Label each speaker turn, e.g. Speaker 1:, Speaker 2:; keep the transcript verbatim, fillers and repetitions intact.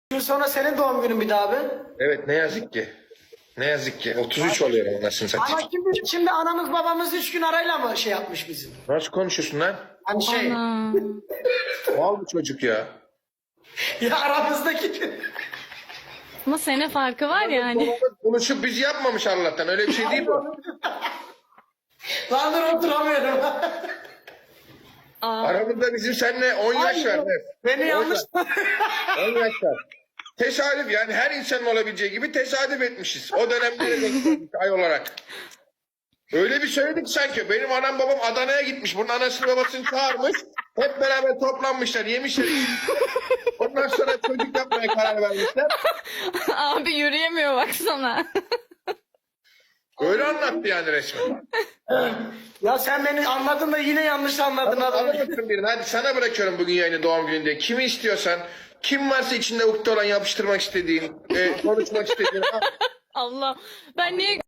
Speaker 1: Gün sonra senin doğum günün bir daha abi.
Speaker 2: Evet ne yazık ki. Ne yazık ki. otuz üç oluyorum anasını
Speaker 1: Ama
Speaker 2: satayım.
Speaker 1: şimdi, şimdi anamız babamız üç gün arayla mı şey yapmış bizim?
Speaker 2: Nasıl konuşuyorsun lan?
Speaker 1: Hani şey
Speaker 3: Ana.
Speaker 2: Mal bu çocuk ya.
Speaker 1: ya aramızdaki
Speaker 3: Ama sene farkı var yani.
Speaker 2: Babamız konuşup bizi yapmamış Allah'tan. Öyle bir şey değil bu.
Speaker 1: lan dur oturamıyorum.
Speaker 3: Aa,
Speaker 2: Aramızda bizim seninle on yaş var. Evet.
Speaker 1: Beni yanlış
Speaker 2: on yaş var. Tesadüf yani her insanın olabileceği gibi tesadüf etmişiz. O dönemlere denk geldik ay olarak. Öyle bir söyledik sanki. Benim anam babam Adana'ya gitmiş. Bunun anasını babasını çağırmış. Hep beraber toplanmışlar, yemişler. Ondan sonra çocuk yapmaya karar vermişler.
Speaker 3: abi yürüyemiyor baksana.
Speaker 2: Öyle anlattı yani resmen.
Speaker 1: Ya sen beni anladın da yine yanlış anladın adamı.
Speaker 2: Anlatırsın birini. Hadi sana bırakıyorum bugün yayını doğum gününde. Kimi istiyorsan, kim varsa içinde ukde olan yapıştırmak istediğin, e, konuşmak istediğin.
Speaker 3: Allah. Ben niye